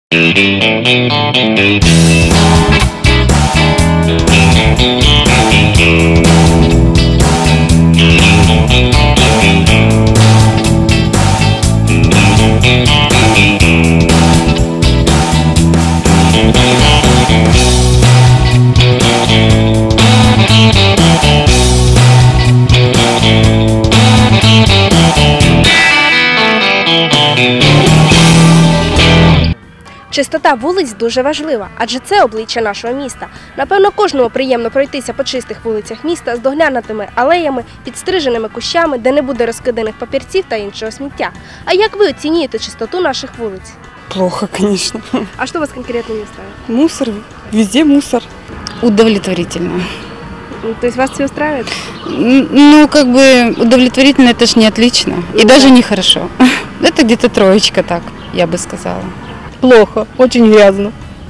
Чистота вулиць дуже важлива, адже це обличчя нашого міста. Напевно, кожному приємно пройтися по чистих вулицях міста з доглянутими алеями, підстриженими кущами, де не буде розкиданих папірців та іншого сміття. А як ви оцінюєте чистоту наших вулиць? Плохо, конечно. А что вас конкретно не устраивает? Мусор, везде мусор. Удовлетворительно. То есть вас все устраивает? Ну, как бы удовлетворительно, это ж не отлично. И даже не хорошо. Это где-то троечка, так, я бы сказала. Плохо, очень грязно.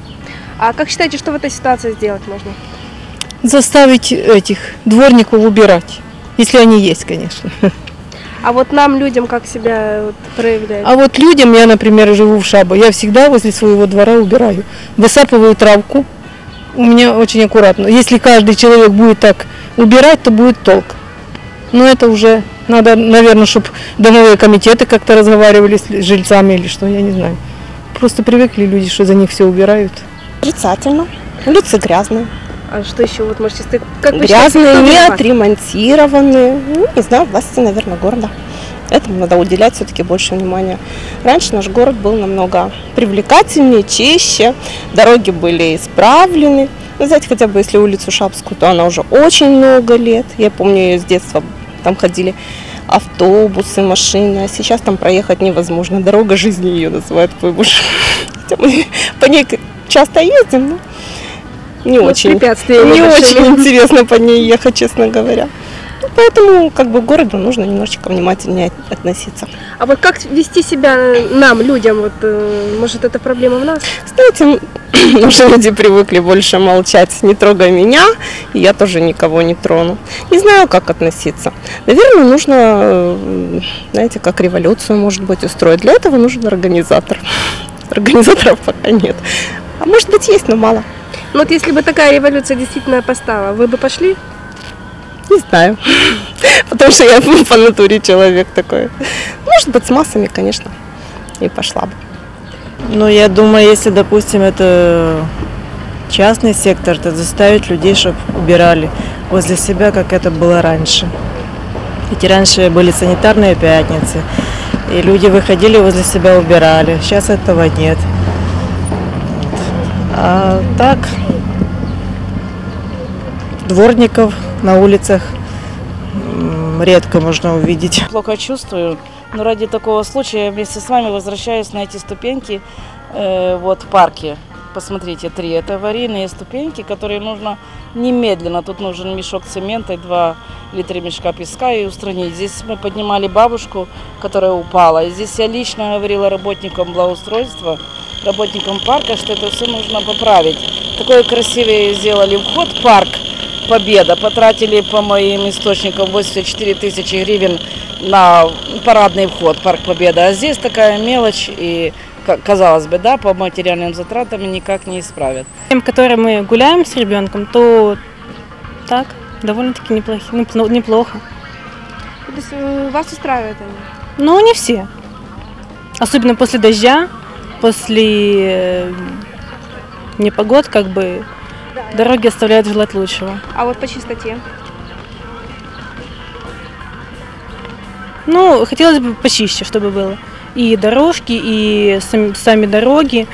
А как считаете, что в этой ситуации сделать можно? Заставить этих дворников убирать, если они есть, конечно. А вот нам, людям, как себя проявлять? А вот людям, я, например, живу в Шабо, я всегда возле своего двора убираю. Высапываю травку, у меня очень аккуратно. Если каждый человек будет так убирать, то будет толк. Но это уже надо, наверное, чтобы домовые комитеты как-то разговаривали с жильцами или что, я не знаю. Просто привыкли люди, что за них все убирают. Отрицательно. Улицы грязные. А что еще вот можете сказать? Как вы грязные, считаете, не отремонтированные. Ну, не знаю, власти, наверное, города. Этому надо уделять все-таки больше внимания. Раньше наш город был намного привлекательнее, чище. Дороги были исправлены. Ну, знаете, хотя бы если улицу Шабскую, то она уже очень много лет. Я помню ее с детства. Там ходили автобусы, машины, а сейчас там проехать невозможно. Дорога жизни ее называют Пойбуш. Мы по ней часто ездим, но не очень интересно по ней ехать, честно говоря. Поэтому как бы к городу нужно немножечко внимательнее относиться. А вот как вести себя нам, людям? Вот, может, это проблема в нас? Знаете, уже люди привыкли больше молчать. Не трогай меня, и я тоже никого не трону. Не знаю, как относиться. Наверное, нужно, знаете, как революцию, может быть, устроить. Для этого нужен организатор. Организаторов пока нет. А может быть, есть, но мало. Ну вот если бы такая революция действительно постала, вы бы пошли? Не знаю. Потому что я по натуре человек такой. Может быть, с массами, конечно, и пошла бы. Ну, я думаю, если, допустим, это частный сектор, то заставить людей, чтобы убирали возле себя, как это было раньше. Ведь раньше были санитарные пятницы, и люди выходили возле себя, убирали. Сейчас этого нет. А так, дворников на улицах редко можно увидеть. Плохо чувствую, но ради такого случая я вместе с вами возвращаюсь на эти ступеньки вот в парке. Посмотрите, 3. Это аварийные ступеньки, которые нужно немедленно. Тут нужен мешок цемента и 2 литра мешка песка и устранить. Здесь мы поднимали бабушку, которая упала. И здесь я лично говорила работникам благоустройства, работникам парка, что это все нужно поправить. Такой красивый сделали вход в парк Победа. Потратили, по моим источникам, 84 тысячи гривен на парадный вход Парк Победа. А здесь такая мелочь и, казалось бы, да, по материальным затратам никак не исправят. Тем, которые мы гуляем с ребенком, то так, довольно-таки неплохо. То есть вас устраивает они? Но не все. Особенно после дождя, после непогод, как бы, дороги оставляют желать лучшего. А вот по чистоте? Ну, хотелось бы почище, чтобы было. И дорожки, и сами дороги.